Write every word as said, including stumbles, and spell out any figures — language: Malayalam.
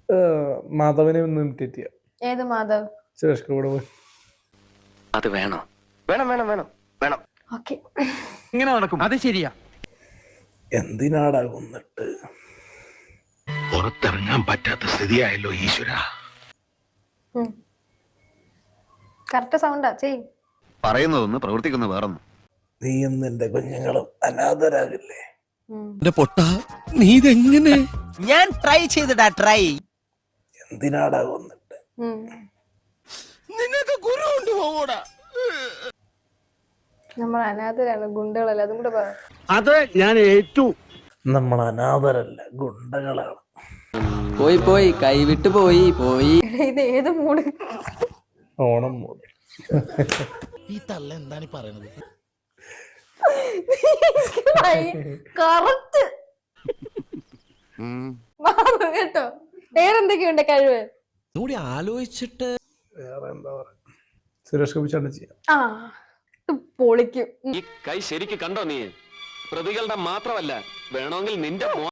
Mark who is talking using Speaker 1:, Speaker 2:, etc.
Speaker 1: മാധവനെ ഒന്ന് ഇമിറ്റേറ്റ് ചെയ്യാം.
Speaker 2: ഏത് മാധവ്?
Speaker 1: സുരേഷ് കൂടെ പോയി.
Speaker 3: അത് വേണോ? വേണം വേണം വേണം വേണം.
Speaker 2: ഓക്കെ,
Speaker 3: ഇങ്ങനെ നടക്കും. അത് ശരിയാ.
Speaker 1: എന്തിനാടാ കൊന്നിട്ട്?
Speaker 4: പുറത്തിറങ്ങാൻ പറ്റാത്ത സ്ഥിതിയായല്ലോ ഈശ്വര.
Speaker 2: കറക്റ്റ് സൗണ്ടാ ചെയ്.
Speaker 3: പറയുന്നതൊന്ന് പ്രവർത്തിക്കുന്ന വേറൊന്നും.
Speaker 1: നീയും നിന്റെ കുഞ്ഞുങ്ങളും അനാഥരാകില്ലേ?
Speaker 5: പൊട്ട നീ ഇതെങ്ങനെ?
Speaker 6: ഞാൻ ട്രൈ ചെയ്തിടാ ട്രൈ.
Speaker 1: എന്തിനാടാ കൊന്നിട്ട്?
Speaker 5: നിനക്ക് ഗുരു കൊണ്ട് പോകൂടാ.
Speaker 2: നമ്മൾ അനാഥരാണ്, ഗുണ്ടകളല്ല. അതും കൂടെ പറ.
Speaker 5: അത് ഞാൻ ഏറ്റു.
Speaker 1: നമ്മൾ അനാഥരല്ല, ഗുണ്ടകളാണ്.
Speaker 6: പോയി പോയി കൈവിട്ട് പോയി പോയി.
Speaker 2: ഇത് ഏത് മൂഡ്?
Speaker 1: ഓണം മൂട്.
Speaker 5: ഈ തള്ള എന്താണ് പറയണത്?
Speaker 2: കറക്റ്റ് കേട്ടോ. വേറെന്തൊക്കെയുണ്ട് കഴിവ്?
Speaker 6: കൂടി ആലോചിച്ചിട്ട്
Speaker 1: വേറെ എന്താ പറയാ, സുരേഷ് ഗോപി ചേട്ടൻ ചെയ്യാം.
Speaker 2: ആ പൊളിക്കും.
Speaker 3: ഈ കൈ ശരിക്ക് കണ്ടോ നീ? പ്രതികളുടെ മാത്രമല്ല, വേണമെങ്കിൽ നിന്റെ